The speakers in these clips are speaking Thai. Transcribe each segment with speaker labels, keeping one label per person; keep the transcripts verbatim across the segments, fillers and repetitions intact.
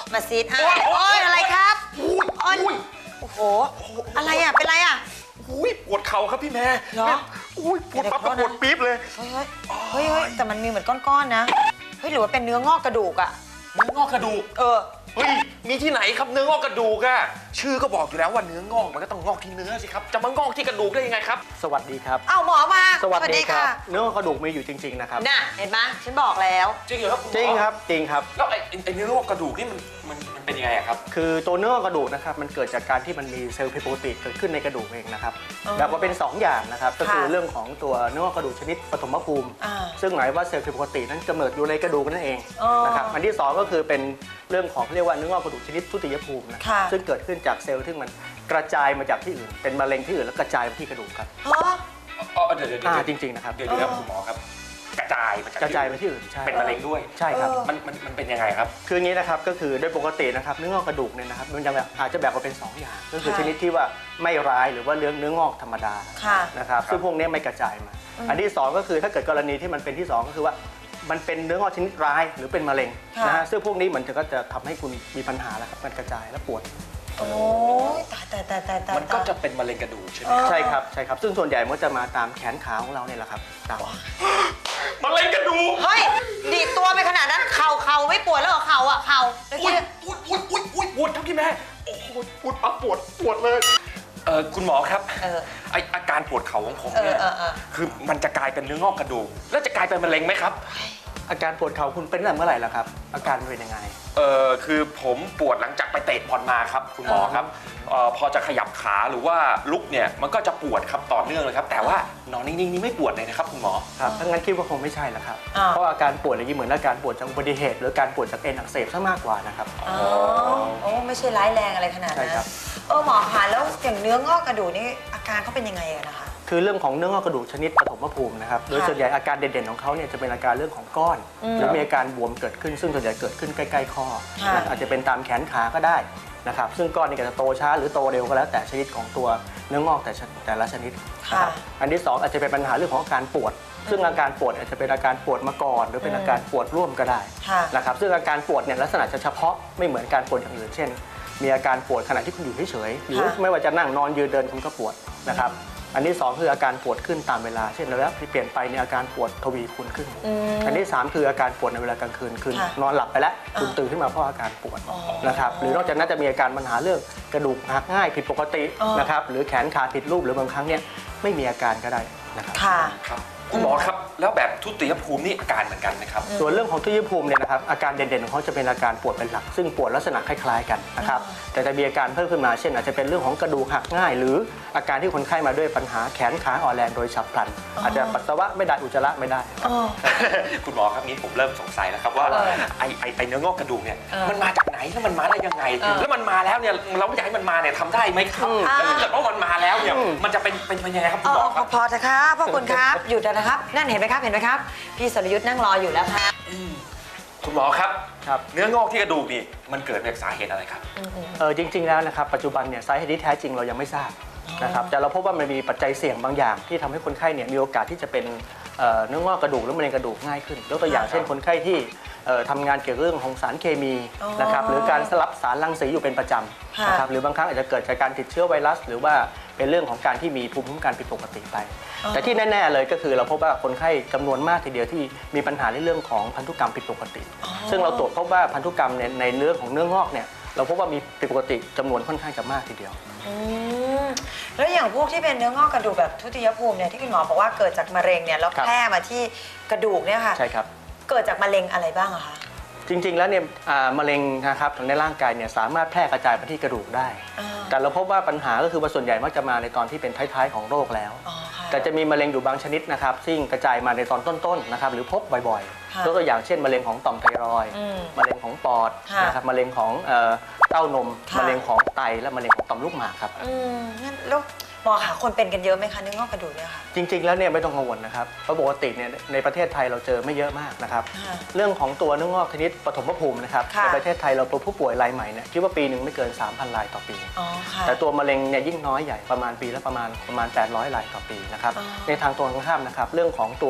Speaker 1: มาซีดอ่ะโอ้ยอะไรครับโอ้ยโอ้โหอะไรอ่ะเป็นไรอ่ะ
Speaker 2: อุ้ยปวดเข่าครับพี่แม่
Speaker 1: เหรอ
Speaker 2: อุ้ยปวดปั๊บปวดปี๊บเลย
Speaker 1: เฮ้ยเฮ้ยเฮ้ยแต่มันมีเหมือนก้อนๆนะเฮ้ยหรือว่าเป็นเนื้องอกกระดูกอ่ะ
Speaker 2: เนื้องอกกระดูก
Speaker 1: เออ
Speaker 2: เฮ้ยมีที่ไหนครับเนื้องอกกระดูกอะชื่อก็บอกอยู่แล้วว่าเนื้องอกมันก็ต้องงอกที่เนื้อสิครับจะมางอกที่กระดูกได้ยังไงครับ
Speaker 3: สวัสดีครับ
Speaker 1: เอาหมอมา
Speaker 3: สวัสดีครับเนื้อกระดูกมีอยู่จริงๆนะครับ
Speaker 1: น่ะเห็นไหมฉันบอกแล้ว
Speaker 2: จริงเหรอครับ
Speaker 3: จริงครับจริงครับ
Speaker 2: แล้วไอ้ไอ้เนื้องอกกระดูกนี่มันมันมันเป็นยังไงครับ
Speaker 3: คือตัวเนื้อกระดูกนะครับมันเกิดจากการที่มันมีเซลล์ผิดปกติเกิดขึ้นในกระดูกเองนะครับแบบว่าเป็นสองอย่างนะครับก็คือเรื่องของตัวเนื้อกระดูกชนิดปฐมภูมิซึ่งหมายว่าเซลล์ผิดปกตินั้นกำเนิดอยู่ในกระดูกนั่นเองนะครับอันที่สองก็คือเป็นเรื่องของเรียกว่าเนื้องอกกระดูกชนิดทุติยภูมินะซึ่งเกิดขึ้นจากเซลล์ที่มันกระจายมาจากที่อื่นเป็นมะเร็งที่อื่นแล้วกระจายมาที่กระดูกครับ
Speaker 2: อ๋อเดี๋ยวเดี๋ยว
Speaker 3: จริงๆนะครับ
Speaker 2: เดี๋ยวเดี๋ยวคุณหมอครับกระจายมาจาก
Speaker 3: กระจายไปที่อื่นใช่
Speaker 2: เป็นมะเร็งด้วย
Speaker 3: ใช่ครับ
Speaker 2: มันมันมันเป็นยังไงครับ
Speaker 3: คืออย่างนี้นะครับก็คือโดยปกตินะครับเนื้องอกกระดูกเนี่ยนะครับมันจะแบบอาจจะแบ่งออกเป็นสองอย่างก็คือชนิดที่ว่าไม่ร้ายหรือว่าเนื้อเนื้องอกธรรมดานะครับซึ่งพวกนี้ไม่กระจายมาอันที่สองก็คือถ้าเกิดกรณีที่มันเป็นที่สองก็คือว่ามันเป็นเนื้องอกชนิดร้ายหรือเป็นมะเร็งนะฮะซึ่งพวกนี้มันจะก็จะทำให้คุณมีปัญหาแล้วครับมันกระจายและปวด
Speaker 1: โอ้ยตายตายตายตายตาย
Speaker 2: มันก็จะเป็นมะเร็งกระดูกใช่ไหม
Speaker 3: ใช่ครับใช่ครับซึ่งส่วนใหญ่มันจะมาตามแขนขาของเราเนี่ยแหละครับตาม
Speaker 2: มะเร็งกระดูก
Speaker 1: เฮ้ยดีดตัวไปขนาดนั้นเข่าเข่าไม่ปวดแล้วเหรอเข่าอ่ะเข่า
Speaker 2: อุ้ยอุ้ยอุ้ยอุ้ยอุ้ยปวดครับพี่แม่โอ้โหปวดปั๊บปวดปวดเลยเออคุณหมอครับไออาการปวดเข่าของผมเนี่ยคือมันจะกลายเป็นเนื้องอกกระดูกแล้วจะกลายเป็นมะเร็งไหมครับ
Speaker 3: อาการปวดเข่าคุณเป็นตั้งแต่เมื่อไหร่ล่ะครับอาการเป็นยังไง
Speaker 2: เออคือผมปวดหลังจากไปเตะบอลมาครับคุณหมอครับเออพอจะขยับขาหรือว่าลุกเนี่ยมันก็จะปวดครับต่อเนื่องเลยครับแต่ว่านอนนิ่งๆนี่ไม่ปวดเลยนะครับคุณหมอ
Speaker 3: ครับถ้างั้นคิดว่าคงไม่ใช่ละครับเพราะอาการปวดอย่างนี้เหมือนอาการปวดจากอุบัติเหตุหรือการปวดจากเอ็นอักเสบซะมากกว่านะครับ
Speaker 1: อ๋อโอ้ไม่ใช่ร้ายแรงอะไรขนาดนั้นเออหมอคะแล้วอย่างเนื้องอกกระดูกนี่อาการเขาเป็นยังไงนะคะ
Speaker 3: คือเรื่องของเนื้องอกกระดูกชนิดปฐมภูมินะครับโดยส่วนใหญ่อาการเด่นๆของเขาเนี่ยจะเป็นอาการเรื่องของก้อนหรือมีอาการบวมเกิดขึ้นซึ่งส่วนใหญ่เกิดขึ้นใกล้ๆข้ออาจจะเป็นตามแขนขาก็ได้นะครับซึ่งก้อนนี้ก็จะโตช้าหรือโตเร็วก็แล้วแต่ชนิดของตัวเนื้องอกแต่แต่ละชนิดนะครับอันที่สองอาจจะเป็นปัญหาเรื่องของอาการปวดซึ่งอาการปวดอาจจะเป็นอาการปวดมาก่อนหรือเป็นอาการปวดร่วมก็ได้นะครับซึ่งอาการปวดเนี่ยลักษณะจะเฉพาะไม่เหมือนการปวดอย่างอื่นเช่นมีอาการปวดขณะที่คุณอยู่เฉยๆหรือไม่ว่าจะนั่งนอนยืนเดินคุณก็ปวดนะครับอันที่สองคืออาการปวดขึ้นตามเวลาเช่นระยะที่เปลี่ยนไปในอาการปวดทวีคูณขึ้นอันที่สามคืออาการปวดในเวลากลางคืนคือนอนหลับไปแล้วคุณตื่นขึ้นมาเพราะอาการปวดนะครับหรือนอกจากนั้นจะมีอาการปัญหาเรื่องกระดูกหักง่ายผิดปกตินะครับหรือแขนขาผิดรูปหรือบางครั้งเนี่ยไม่มีอาการก็ได้นะครับ
Speaker 2: ครับคุณหมอครับแล้วแบบทุติยภูมินี่อาการเหมือนกันไหมครับ
Speaker 3: ส่วนเรื่องของทุติยภูมิเนี่ยนะครับอาการเด่นๆของเขาจะเป็นอาการปวดเป็นหลักซึ่งปวดลักษณะคล้ายๆกันนะครับแต่จะมีอาการเพิ่มขึ้นมาเช่นอาจจะเป็นเรื่องของกระดูกหักง่ายหรืออาการที่คนไข้มาด้วยปัญหาแขนขาอ่อนแรงโดยฉับพลันอาจจะปัสสาวะไม่ได้อุจจาระไม่ได้
Speaker 2: คุณหมอครับนี้ผมเริ่มสงสัยแล้วครับว่าไอไอเนื้องอกกระดูกเนี่ยมันมาจากไหนแล้วมันมาได้ยังไงแล้วมันมาแล้วเนี่ยเราไม่อยากให้มันมาเนี่ยทำได้ไหมครับแล้วถ้าเกิดว่ามันมาแล้วเนี่ยมันจะเป็นเป็นยังไงครับคุณหมอครับ
Speaker 1: พอจะครับพ่อคุณครับหยุดนะครับนั่นเห็นไหมครับเห็นไหมครับพี่สรยุทธ์นั่งรออยู่แล้วครับ
Speaker 2: คุณหมอครับเนื้องอกที่กระดูกนี่มันเกิดจากสาเหตุอะไรครับ
Speaker 3: เออจริงๆแล้วนะครับปัจจุบันเนี่ยสาเหตุที่แท้จริงเรายังไม่ทราบนะครับแต่เราพบว่ามันมีปัจจัยเสี่ยงบางอย่างที่ทำให้คนไข้เนี่ยมีโอกาสที่จะเป็นเนื้องอกกระดูกหรือมะเร็งกระดูกง่ายขึ้นยกตัวอย่างเช่นคนไข้ที่ทำงานเกี่ยวกับเรื่องของสารเคมีนะครับหรือการสลับสารรังสีอยู่เป็นประจำนะครับหรือบางครั้งอาจจะเกิดจากการติดเชื้อไวรัสหรือว่าเป็นเรื่องของการที่มีภูมิคุ้มกันผิดปกติไปแต่ที่แน่ๆเลยก็คือเราพบว่าคนไข้จำนวนมากทีเดียวที่มีปัญหาในเรื่องของพันธุกรรมผิดปกติซึ่งเราตรวจพบว่าพันธุกรรมในเรื่องของเนื้องอกเนี่ยเราพบว่ามีผิดปกติจำนวนค่อนข้างจะมากทีเดียว
Speaker 1: แล้วอย่างพวกที่เป็นเนื้องอกกระดูกแบบทุติยภูมิเนี่ยที่คุณหมอบอกว่าเกิดจากมะเร็งเนี่ยแล้วแพร่มาที่กระดูกเนี่ยค่ะ
Speaker 3: ใช่ครับ
Speaker 1: เกิดจากมะเร็งอะไรบ้างอะคะ
Speaker 3: จริงๆแล้วเนี่ยมะเร็งนะครับในร่างกายเนี่ยสามารถแพร่กระจายไปที่กระดูกได้แต่เราพบว่าปัญหาก็คือว่าส่วนใหญ่มักจะมาในตอนที่เป็นท้ายๆของโรคแล้วแต่จะมีมะเร็งอยู่บางชนิดนะครับซึ่งกระจายมาในตอนต้นๆนะครับหรือพบบ่อยๆยกตัวอย่างเช่นมะเร็งของต่อมไทรอยด์มะเร็งของปอดนะครับมะเร็งของเต้านมมะเร็งของไตและมะเร็งของต่อมลูกหมากครับ
Speaker 1: งั้นแล้วหมอคะคนเป็นกันเยอะไหมคะเนื้องอกกระดูกเนี่ยค่ะ
Speaker 3: จริงๆแล้วเนี่ยไม่ต้องกังวลนะครับเพราะปกติเนี่ยในประเทศไทยเราเจอไม่เยอะมากนะครับเรื่องของตัวเนื้องอกชนิดปฐมภูมินะครับในประเทศไทยเราตัวผู้ป่วยรายใหม่เนี่ยคิดว่าปีหนึ่งไม่เกิน สามพัน รายต่อปีแต่ตัวมะเร็งเนี่ยยิ่งน้อยใหญ่ประมาณปีละประมาณประมาณแปดร้อยรายต่อปีนะครับในทางตรงข้ามนะครับเรื่องของตัว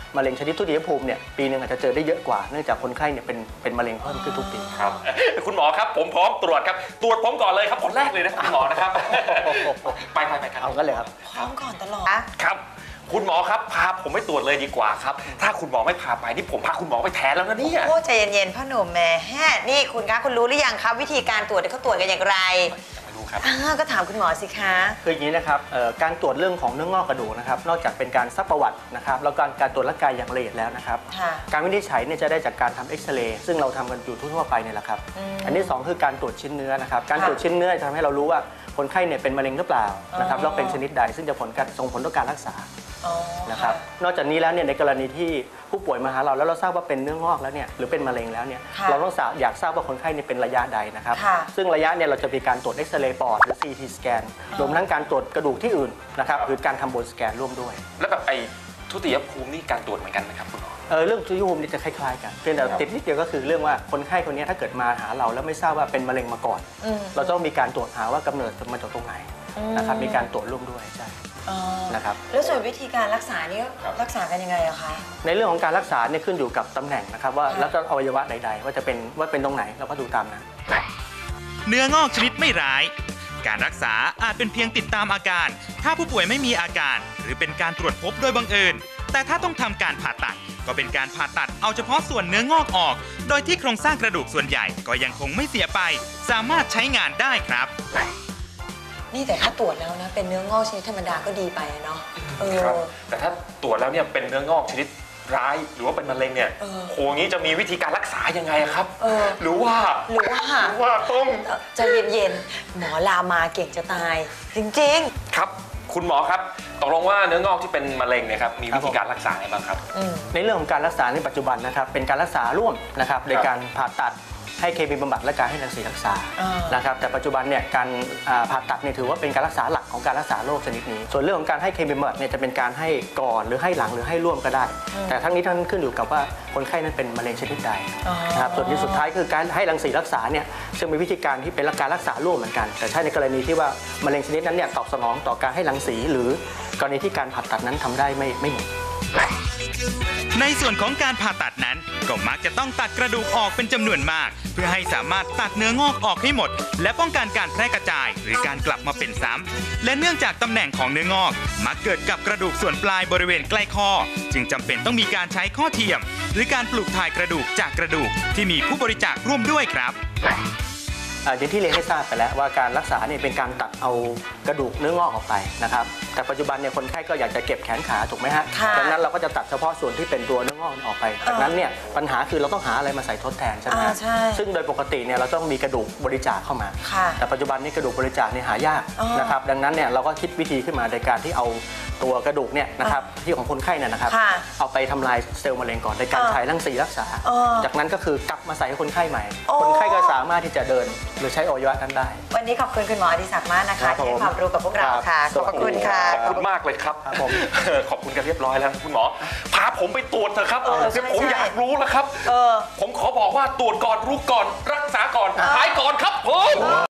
Speaker 3: มะเร็งชนิดทุติยภูมิเนี่ยปีหนึ่งอาจจะเจอได้เยอะกว่าเนื่องจากคนไข้เนี่ยเป็นเป็นมะเร็งเพิ่มขึ้นทุกปี
Speaker 2: ครับคุณหมอครับผมพร้อมตรวจครับตรวจผมก่อนเลยครับคนแรกเลยนะคุณหมอนะครับไปไปไปครับ
Speaker 3: เอากันเลยครับ
Speaker 1: พร้อมก่อนตลอด
Speaker 2: ครับคุณหมอครับพาผมไปตรวจเลยดีกว่าครับถ้าคุณหมอไม่พาไปนี่ผมพาคุณหมอไปแทนแล้วนะเนี่ย
Speaker 1: โอ้ใจเย็นๆพ่อหนุ่มแหม่แฮะนี่คุณคะคุณรู้หรือยังครับวิธีการตรวจเขาตรวจกันอย่างไร
Speaker 2: ไม่รู้ครับ
Speaker 1: อ่าก็ถามคุณหมอสิคะ
Speaker 3: คืออย่างนี้นะครับเอ่อการตรวจเรื่องของเนื้องอกกระดูกนะครับนอกจากเป็นการซักประวัตินะครับแล้วการการตรวจร่างกายอย่างละเอียดแล้วนะครับ
Speaker 1: ค่ะ
Speaker 3: การวินิจฉัยเนี่ยจะได้จากการทำเอ็กซเรย์ซึ่งเราทำกันอยู่ทั่วๆไปเนี่ยแหละครับ
Speaker 1: อืม
Speaker 3: อันที่สองคือการตรวจชิ้นเนื้อนะครับการ
Speaker 1: ค่ะ
Speaker 3: ตรวจชิ้นเนื้อจะทำให้เรารู้ว่าคนไข้เนี่ยเป็นมะเร็งหรือเปล่านะครับ
Speaker 1: อ๋อ
Speaker 3: แล้วเป็นชนิดใดซึ่งจะผลการส่งผลต่อการรักษา
Speaker 1: อ๋อ
Speaker 3: นะครับนอกจากนี้แล้วเนี่ยในกรณีที่ผู้ป่วยมาหาเราแล้วเราทราบว่าเป็นเนื้องอกแล้วเนี่ยหรือเป็นมะเร็งแล้วเนี่ย
Speaker 1: ค่ะ
Speaker 3: เราต้องทราบอยากทราบว่าคนไข้เนี่ยเป็นระยะใดนะครับ
Speaker 1: ค่ะ
Speaker 3: ซึ่งระยะเนี่ยเราจะมีการตรวจเอ็กซเรย์ปอดหรือ ซี ที สแกนรวมทั้งการตรวจกระดูกที่อื่นนะครับหรือการทำโบนสแกนร่วมด้วย
Speaker 2: แล้วแบบไอ้ทุติยภูมินี่การตรวจเหมือนกันไหมครับคุณหมอ
Speaker 3: เออเรื่องทุติยภูมินี่จะคล้ายๆกันเพียงแต่
Speaker 2: ครับ
Speaker 3: ติดนิดเดียวก็คือเรื่องว่าคนไข้คนนี้ถ้าเกิดมาหาเราแล้วไม่ทราบว่าเป็นมะเร็งมาก่อน
Speaker 1: อืม
Speaker 3: เราต้องมีการตรวจหาว่ากำเนิดมาจากตรงไหน
Speaker 1: อืม
Speaker 3: นะครับมีการตรวจร่วมด้วยใช่
Speaker 1: อ๋อ
Speaker 3: นะครับ
Speaker 1: แล้วส่วนวิธีการรักษานี่
Speaker 2: ครับ
Speaker 1: รักษากันยังไงอะคะ
Speaker 3: ในเรื่องของการรักษาเนี่ยขึ้นอยู่กับตำแหน่งนะครับว่า
Speaker 1: ค่ะ
Speaker 3: แล้วก็อวัยวะใดๆว่าจะเป็นว่าเป็นตรงไหนเราก็ดูตามนั้น
Speaker 4: เนื้องอกชนิดไม่ร้าย การรักษาอาจเป็นเพียงติดตามอาการ ถ้าผู้ป่วยไม่มีอาการ หรือเป็นการตรวจพบโดยบังเอิญ แต่ถ้าต้องทำการผ่าตัด ก็เป็นการผ่าตัดเอาเฉพาะส่วนเนื้องอกออก โดยที่โครงสร้างกระดูกส่วนใหญ่ก็ยังคงไม่เสียไป สามารถใช้งานได้ครับ
Speaker 1: นี่แต่ถ้าตรวจแล้วนะเป็นเนื้องอกชนิดธรรมดาก็ดีไปอะเนาะเออ
Speaker 2: ครับแต่ถ้าตรวจแล้วเนี่ยเป็นเนื้องอกชนิดร้ายหรือว่าเป็นมะเร็งเนี่ย
Speaker 1: เออ
Speaker 2: โหงี้จะมีวิธีการรักษายังไงอะครับ
Speaker 1: เออ
Speaker 2: หรือว่า
Speaker 1: หรือว่า
Speaker 2: หรือว่าต้อง
Speaker 1: เอ่อใจเย็นๆหมอลามาเก่งจะตาย จริง
Speaker 2: ครับ คุณหมอครับตกลงว่าเนื้องอกที่เป็นมะเร็งเนี่ยครับมีวิธีการรักษาไงบ้างครับ
Speaker 1: ๆอืม
Speaker 3: ในเรื่องของการรักษาในปัจจุบันนะครับเป็นการรักษาร่วมนะครับโดยการผ่าตัดให้เคมีบำบัดและการให้รังสีรักษา
Speaker 1: อ่าน
Speaker 3: นะครับแต่ปัจจุบันเนี่ยการอ่าผ่าตัดเนี่ยถือว่าเป็นการรักษาหลักของการรักษาโรคชนิดนี้ ส่วนเรื่องของการให้เคมีบำบัดเนี่ยจะเป็นการให้ก่อนหรือให้หลังหรือให้ร่วมก็ได้ แต่ทั้งนี้ทั้งนั้นขึ้นอยู่กับว่าคนไข้นั้นเป็นมะเร็งชนิดใด
Speaker 1: อ๋อ
Speaker 3: นะครับส่วนที่สุดท้ายคือการให้รังสีรักษาเนี่ยซึ่งเป็นวิธีการที่เป็นการรักษาร่วมเหมือนกัน แต่ใช่ในกรณีที่ว่ามะเร็งชนิดนั้นเนี่ยตอบสนองต่อการให้รังสี หรือกรณีที่การผ่าตัดนั้นทำได้ไม่ไม่หมด
Speaker 4: ในส่วนของการผ่าตัดนั้นก็มักจะต้องตัดกระดูกออกเป็นจำนวนมาก เพื่อให้สามารถตัดเนื้องอกออกให้หมด และป้องกันการแพร่กระจาย หรือการกลับมาเป็นซ้ำและเนื่องจากตำแหน่งของเนื้องอก มักเกิดกับกระดูกส่วนปลายบริเวณใกล้ข้อ จึงจำเป็นต้องมีการใช้ข้อเทียม หรือการปลูกถ่ายกระดูกจากกระดูกที่มีผู้บริจาคร่วมด้วยครับ
Speaker 3: อ่าอย่างที่เรียนให้ทราบไปแล้วว่าการรักษาเนี่ยเป็นการตัดเอากระดูกเนื้องอกออกไปนะครับแต่ปัจจุบันเนี่ยคนไข้ก็อยากจะเก็บแขนขาถูกไหมฮะ
Speaker 1: ค่ะ
Speaker 3: ดังนั้นเราก็จะตัดเฉพาะส่วนที่เป็นตัวเนื้องอกออกไปจากนั้นเนี่ยปัญหาคือเราต้องหาอะไรมาใส่ทดแทนใช่ไหม
Speaker 1: อ่า
Speaker 3: ฮะ
Speaker 1: ใช่
Speaker 3: ซึ่งโดยปกติเนี่ยเราต้องมีกระดูกบริจาคเข้ามา
Speaker 1: ค่ะ
Speaker 3: แต่ปัจจุบันนี้กระดูกบริจาคเนี่ยหายาก
Speaker 1: อ๋อ
Speaker 3: นะครับดังนั้นเนี่ยเราก็คิดวิธีขึ้นมาในการที่เอาตัวกระดูกเนี่ยนะครับที่ของคนไข้เนี่ยนะครับ
Speaker 1: ค่ะ
Speaker 3: เอาไปทำลายเซลล์มะเร็งก่อนโดยการ
Speaker 1: อ๋อ
Speaker 3: ฉายรังสีรักษา
Speaker 1: อ๋อ
Speaker 3: จากนั้นก็คือกลับมาใส่ให้คนไข้ใหม่
Speaker 1: โอ้
Speaker 3: คนไข้ก็สามารถที่จะเดินหรือใช้อวัยวะนั้นได้
Speaker 1: วันนี้ขอบคุณคุณหมออดิศักดิ์มากนะ
Speaker 3: ครั
Speaker 1: คะ
Speaker 3: บ
Speaker 1: ที่ให้
Speaker 3: ผม
Speaker 1: ความรู้กับพวกเรา
Speaker 3: ครับ
Speaker 1: ค่ะ
Speaker 3: ส
Speaker 1: ขอบ
Speaker 3: วัสดี
Speaker 1: คุณค่ะ
Speaker 2: ขอบคุณมากเลยครับ
Speaker 3: ครับผม
Speaker 2: ขอบคุณกันเรียบร้อยแล้วคุณหมอพาผมไปตรวจเถอะครับ
Speaker 1: เออใช่
Speaker 2: เดี๋ยวผม
Speaker 1: ใช่
Speaker 2: อยากรู้แล้วครับ
Speaker 1: เออ
Speaker 2: ผมขอบอกว่าตรวจก่อนรู้ก่อนรักษาก่อนหายก่อนครับผม